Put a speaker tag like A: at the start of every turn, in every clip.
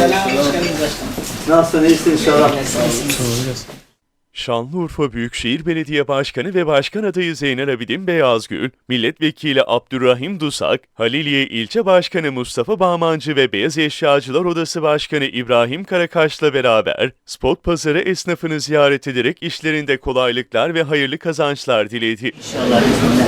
A: Selam, hoş geldiniz başkanım.
B: Nasılsın, iyisin inşallah.
C: Şanlıurfa Büyükşehir Belediye Başkanı ve Başkan adayı Zeynel Abidin Beyazgül, Milletvekili Abdurrahim Dusak, Haliliye İlçe Başkanı Mustafa Bağmancı ve Beyaz Eşyacılar Odası Başkanı İbrahim Karakaş'la beraber spot pazarı esnafını ziyaret ederek işlerinde kolaylıklar ve hayırlı kazançlar diledi.
B: İnşallah izinle.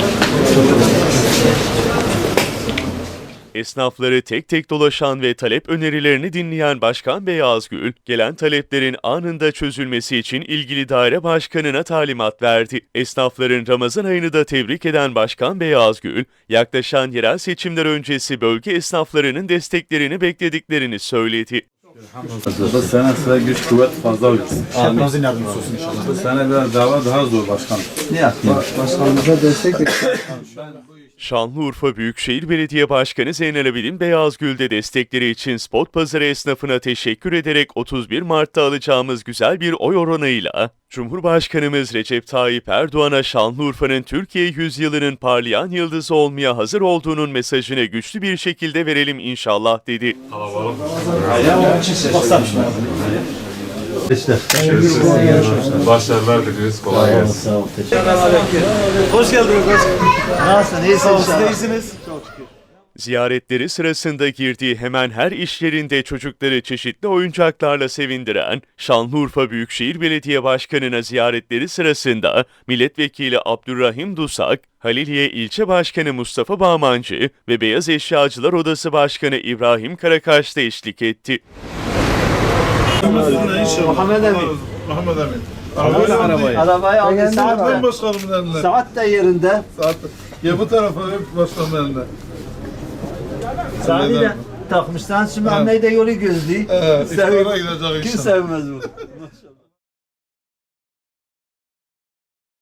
C: Esnafları tek tek dolaşan ve talep önerilerini dinleyen Başkan Beyazgül, gelen taleplerin anında çözülmesi için ilgili daire başkanına talimat verdi. Esnafların Ramazan ayını da tebrik eden Başkan Beyazgül, yaklaşan yerel seçimler öncesi bölge esnaflarının desteklerini beklediklerini söyledi.
D: Bu sene size güç kuvvet fazla olsun.
E: Hepimizin yardımcısı olsun inşallah.
D: Bu sene biraz dava daha zor başkanım.
B: Ne yapayım?
E: Başkanımıza destek
C: Şanlıurfa Büyükşehir Belediye Başkanı Zeynel Abidin Beyazgül de destekleri için spot pazarı esnafına teşekkür ederek 31 Mart'ta alacağımız güzel bir oy oranıyla Cumhurbaşkanımız Recep Tayyip Erdoğan'a Şanlıurfa'nın Türkiye yüzyılının parlayan yıldızı olmaya hazır olduğunun mesajını güçlü bir şekilde verelim inşallah dedi.
F: Başarılar diliyoruz. Kolay gelsin.
B: Sağ ol, teşekkür ederim.
E: Hoş geldiniz başkanım.
B: Nasılsın, iyisin inşallah.
E: iyisiniz.
C: Ziyaretleri sırasında girdiği hemen her iş yerinde çocukları çeşitli oyuncaklarla sevindiren Şanlıurfa Büyükşehir Belediye Başkanı'na ziyaretleri sırasında Milletvekili Abdurrahim Dusak, Haliliye İlçe Başkanı Mustafa Bağmancı ve Beyaz Eşyacılar Odası Başkanı İbrahim Karakaş da eşlik etti.
B: Muhammed Emin.
D: Muhammed Emin.
B: Arabayı aldı, saat de,
D: Başkanımın elinde.
B: saat de yerinde.
D: Ya bu tarafa başkanımın elinde.
B: Saati de takmışlar. Şimdi anneyi de yolu gözlüyor.
D: Evet,
B: Sev-
D: iftara gidecek
B: Kim
D: inşallah.
B: sevmez bu?